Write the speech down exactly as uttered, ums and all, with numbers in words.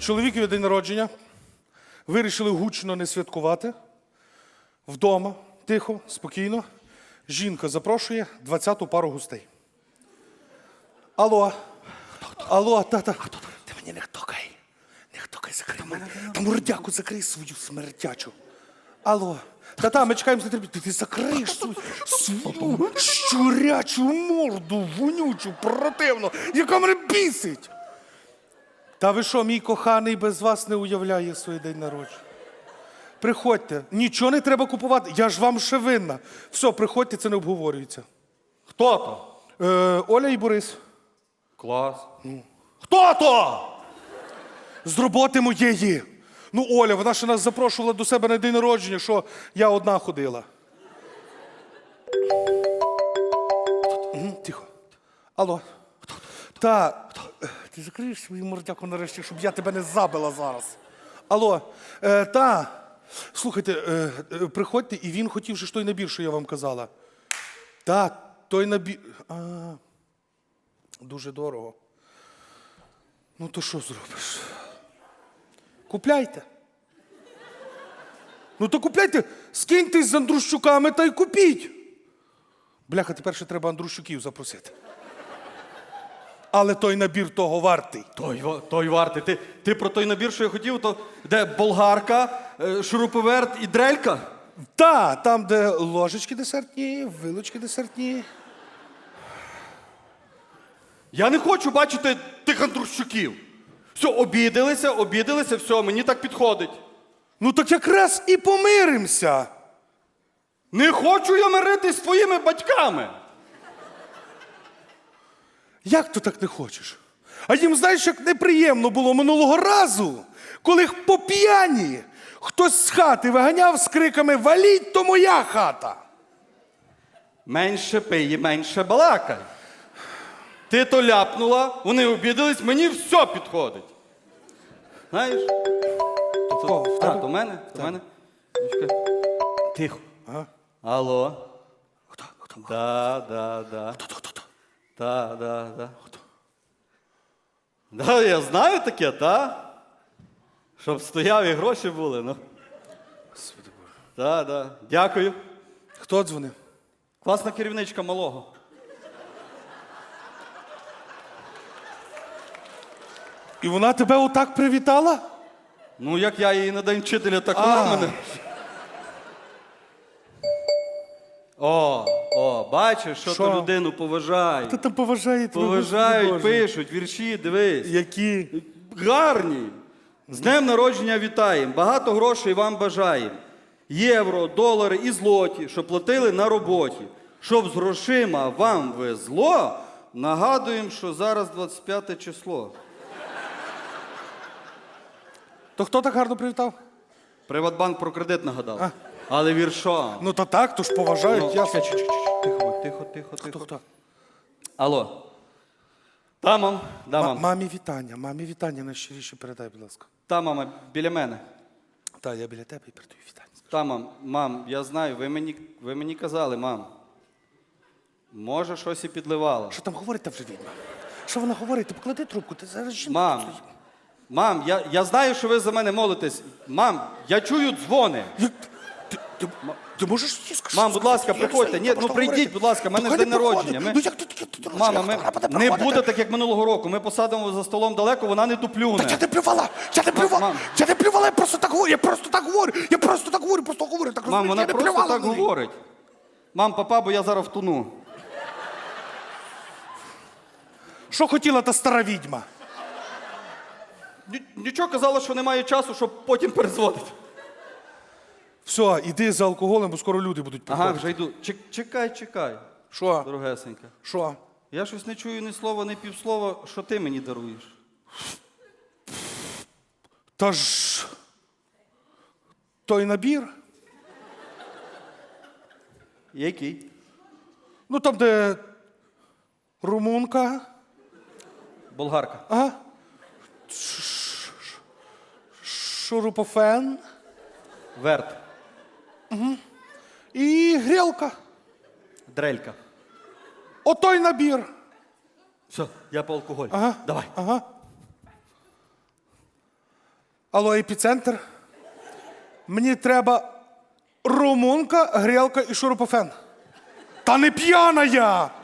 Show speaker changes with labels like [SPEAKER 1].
[SPEAKER 1] чоловікові день народження. Вирішили гучно не святкувати. Вдома, тихо, спокійно. Жінка запрошує двадцяту пару гостей. Алло. Алло, тата. Ти мені не хтокай. Не хтокай, закрий мене. Та мордяку закрий свою смертячу. Алло. Та-та, ми чекаємо з нетерпінням. Ти закриєш свою, свою щурячу морду, вонючу, противну, яка мене бісить. Та ви що, мій коханий без вас не уявляє свій день народження? Приходьте, нічого не треба купувати, я ж вам ще винна. Все, приходьте, це не обговорюється.
[SPEAKER 2] Хто то?
[SPEAKER 1] Е, Оля і Борис.
[SPEAKER 2] Клас. Хто то?
[SPEAKER 1] З роботи моєї. Ну, Оля, вона ще нас запрошувала до себе на день народження, що я одна ходила. Угу, тихо. Алло. Та, ти закриєш свою мордяку нарешті, щоб я тебе не забила зараз. Алло, е, та, слухайте, е, е, приходьте, і він хотів же ж той набір, що я вам казала. Та, той набір... А, дуже дорого. Ну, то що зробиш? Купляйте. Ну, то купляйте, скиньтесь з Андрущуками та й купіть. Бляха, тепер ще треба Андрущуків запросити. Але той набір того вартий.
[SPEAKER 2] Той, ва- той вартий. Ти, ти про той набір, що я хотів, то де болгарка, е, шуруповерт і дрелька?
[SPEAKER 1] Та, там, де ложечки десертні, вилочки десертні.
[SPEAKER 2] Я не хочу бачити тих Андрущуків. Все, обідалися, обідалися, все, мені так підходить.
[SPEAKER 1] Ну, так якраз і помиримося.
[SPEAKER 2] Не хочу я миритись з твоїми батьками.
[SPEAKER 1] Як то так не хочеш? А їм, знаєш, як неприємно було минулого разу, коли їх по п'яні хтось з хати виганяв з криками «Валіть, то моя хата!»
[SPEAKER 2] Менше пий і менше балакай. Ти то ляпнула, вони обідались, мені все підходить. Знаєш? То,
[SPEAKER 1] Кого? В
[SPEAKER 2] а,
[SPEAKER 1] тебе?
[SPEAKER 2] до мене? До мене? Ну, чекай. Тихо.
[SPEAKER 1] Ага.
[SPEAKER 2] Алло.
[SPEAKER 1] Хто? Хто?
[SPEAKER 2] Да, да, да.
[SPEAKER 1] Хто? Хто? Хто?
[SPEAKER 2] Да, да, да. Да, я знаю таке, та? Щоб стояв і гроші були, ну.
[SPEAKER 1] Господи Боже.
[SPEAKER 2] Да, да. Дякую.
[SPEAKER 1] Хто дзвонив?
[SPEAKER 2] Класна керівничка малого.
[SPEAKER 1] І вона тебе отак привітала?
[SPEAKER 2] Ну, як я її на день вчителя, так
[SPEAKER 1] А.
[SPEAKER 2] вона мене. О, о, бачиш, що,
[SPEAKER 1] Що?
[SPEAKER 2] то людину поважають.
[SPEAKER 1] Та там поважає тебе.
[SPEAKER 2] Поважають,
[SPEAKER 1] Господи Боже.
[SPEAKER 2] пишуть, вірші, дивись.
[SPEAKER 1] Які?
[SPEAKER 2] Гарні. З днем народження вітаємо. Багато грошей вам бажаємо. Євро, долари і злоті, що платили на роботі. Щоб з грошима вам везло, нагадуємо, що зараз двадцять п'яте число.
[SPEAKER 1] То хто так гарно привітав?
[SPEAKER 2] Приватбанк про кредит нагадав.
[SPEAKER 1] А.
[SPEAKER 2] Але віршом.
[SPEAKER 1] Ну то так, то ж поважають,
[SPEAKER 2] Ну,
[SPEAKER 1] ясно.
[SPEAKER 2] чекай, чекай, чекай, Тихо, будь, тихо, тихо,
[SPEAKER 1] Хто,
[SPEAKER 2] тихо.
[SPEAKER 1] хто?
[SPEAKER 2] Алло. Та, мам, да,
[SPEAKER 1] Ма-
[SPEAKER 2] мам.
[SPEAKER 1] Мамі вітання, мамі вітання найщиріше передай, будь ласка.
[SPEAKER 2] Та, мама, біля мене.
[SPEAKER 1] Та, я біля тебе і передаю вітання.
[SPEAKER 2] Та, мам, мам, я знаю, ви мені, ви мені казали, мам. Може, щось і підливало.
[SPEAKER 1] Що там говорить та вже відьма? Що вона говорить? Ти поклади трубку, ти зараз жінка.
[SPEAKER 2] Мам, мам, я, я знаю, що ви за мене молитесь. Мам, я чую дзвони.
[SPEAKER 1] Як- Ти, ти, ти можеш їй сказати?
[SPEAKER 2] Мам, будь ласка,
[SPEAKER 1] Я
[SPEAKER 2] приходьте.
[SPEAKER 1] все,
[SPEAKER 2] Ні,
[SPEAKER 1] просто
[SPEAKER 2] ну прийдіть,
[SPEAKER 1] говорити.
[SPEAKER 2] будь ласка, в мене
[SPEAKER 1] Ну,
[SPEAKER 2] ж
[SPEAKER 1] хай
[SPEAKER 2] день
[SPEAKER 1] не приходить.
[SPEAKER 2] народження. Ми-
[SPEAKER 1] Ну як ти таке ти робиш?
[SPEAKER 2] Мама,
[SPEAKER 1] Як
[SPEAKER 2] ми,
[SPEAKER 1] вона буде
[SPEAKER 2] не
[SPEAKER 1] приходити?
[SPEAKER 2] буде так, як минулого року. Ми посадимо за столом далеко, вона не туплюне.
[SPEAKER 1] Та я не плювала, я не плювала,
[SPEAKER 2] мам.
[SPEAKER 1] я не плювала, я просто так говорю, я просто так говорю, я просто так говорю, просто говорю, так
[SPEAKER 2] Мам,
[SPEAKER 1] розумієш,
[SPEAKER 2] вона
[SPEAKER 1] я не
[SPEAKER 2] просто
[SPEAKER 1] плювала
[SPEAKER 2] так
[SPEAKER 1] на неї.
[SPEAKER 2] говорить. Мам, папа, бо я зараз втону.
[SPEAKER 1] Що хотіла та стара відьма?
[SPEAKER 2] Ні- Нічого казала, що немає часу, щоб потім перезводити.
[SPEAKER 1] Все, іди за алкоголем, бо скоро люди будуть
[SPEAKER 2] Ага,
[SPEAKER 1] приходити.
[SPEAKER 2] вже йду. Чек- Чекай, чекай,
[SPEAKER 1] Що?
[SPEAKER 2] дорогесенька.
[SPEAKER 1] Що?
[SPEAKER 2] Я щось не чую ні слова, ні півслова, що ти мені даруєш.
[SPEAKER 1] Та ж той набір,
[SPEAKER 2] Який?
[SPEAKER 1] ну там, де румунка,
[SPEAKER 2] Болгарка.
[SPEAKER 1] ага, Ш- ш- ш- шурупофен
[SPEAKER 2] Верт.
[SPEAKER 1] і грілка.
[SPEAKER 2] Дрелька.
[SPEAKER 1] Отой набір.
[SPEAKER 2] Все, я по алкоголю.
[SPEAKER 1] Ага.
[SPEAKER 2] Давай.
[SPEAKER 1] Ага. Алло, епіцентр. Мені треба румунка, грілка і шурупофен. Та не п'яна я!